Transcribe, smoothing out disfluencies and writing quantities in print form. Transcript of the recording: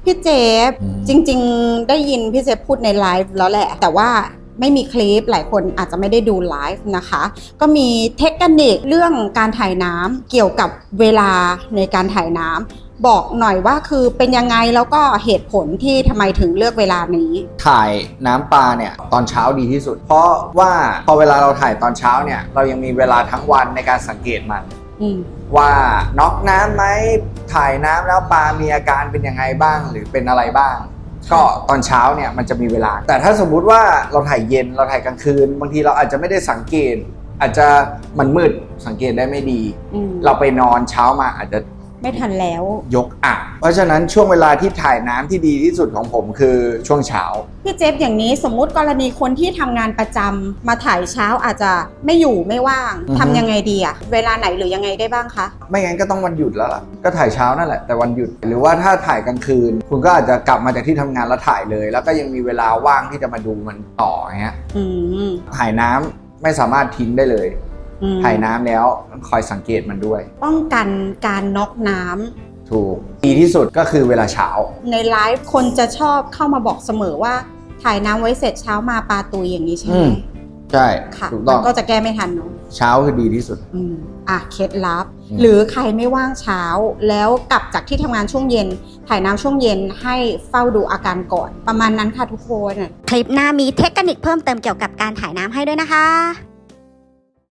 พี่เจฟจริงๆได้ยินพี่เจฟพูดในไลฟ์แล้วแหละแต่ว่าไม่มีคลิปหลายคนอาจจะไม่ได้ดูไลฟ์นะคะก็มีเทคนิคเรื่องการถ่ายน้ำเกี่ยวกับเวลาในการถ่ายน้ำบอกหน่อยว่าคือเป็นยังไงแล้วก็เหตุผลที่ทำไมถึงเลือกเวลานี้ถ่ายน้ำปลาเนี่ยตอนเช้าดีที่สุดเพราะว่าพอเวลาเราถ่ายตอนเช้าเนี่ยเรายังมีเวลาทั้งวันในการสังเกตมันว่าน็อกน้ำไหมถ่ายน้ำแล้วปลามีอาการเป็นยังไงบ้างหรือเป็นอะไรบ้างก็ตอนเช้าเนี่ยมันจะมีเวลาแต่ถ้าสมมุติว่าเราถ่ายเย็นเราถ่ายกลางคืนบางทีเราอาจจะไม่ได้สังเกตอาจจะมันมืดสังเกตได้ไม่ดีเราไปนอนเช้ามาอาจจะไม่ทันแล้วยกอ่ะเพราะฉะนั้นช่วงเวลาที่ถ่ายน้ำที่ดีที่สุดของผมคือช่วงเช้าพี่เจฟอย่างนี้สมมุติกรณีคนที่ทำงานประจำมาถ่ายเช้าอาจจะไม่อยู่ไม่ว่างทำยังไงดีอะเวลาไหนหรือยังไงได้บ้างคะไม่งั้นก็ต้องวันหยุดแล้วล่ะก็ถ่ายเช้านั่นแหละแต่วันหยุดหรือว่าถ้าถ่ายกลางคืนคุณก็อาจจะกลับมาจากที่ทำงานแล้วถ่ายเลยแล้วก็ยังมีเวลาว่างที่จะมาดูมันต่ออย่างเงี้ยถ่ายน้ำไม่สามารถทิ้งได้เลยถ่ายน้ำแล้วคอยสังเกตมันด้วยป้องกันการน็อกน้ำถูกดีที่สุดก็คือเวลาเช้าในไลฟ์คนจะชอบเข้ามาบอกเสมอว่าถ่ายน้ำไว้เสร็จเช้ามาปลาตุยอย่างนี้ใช่ไหมใช่ถูกต้องก็จะแก้ไม่ทันเนาะเช้าคือดีที่สุดเคล็ดลับหรือใครไม่ว่างเช้าแล้วกลับจากที่ทำงานช่วงเย็นถ่ายน้ำช่วงเย็นให้เฝ้าดูอาการก่อนประมาณนั้นค่ะทุกคนคลิปหน้ามีเทคนิคเพิ่มเติมเกี่ยวกับการถ่ายน้ำให้ด้วยนะคะ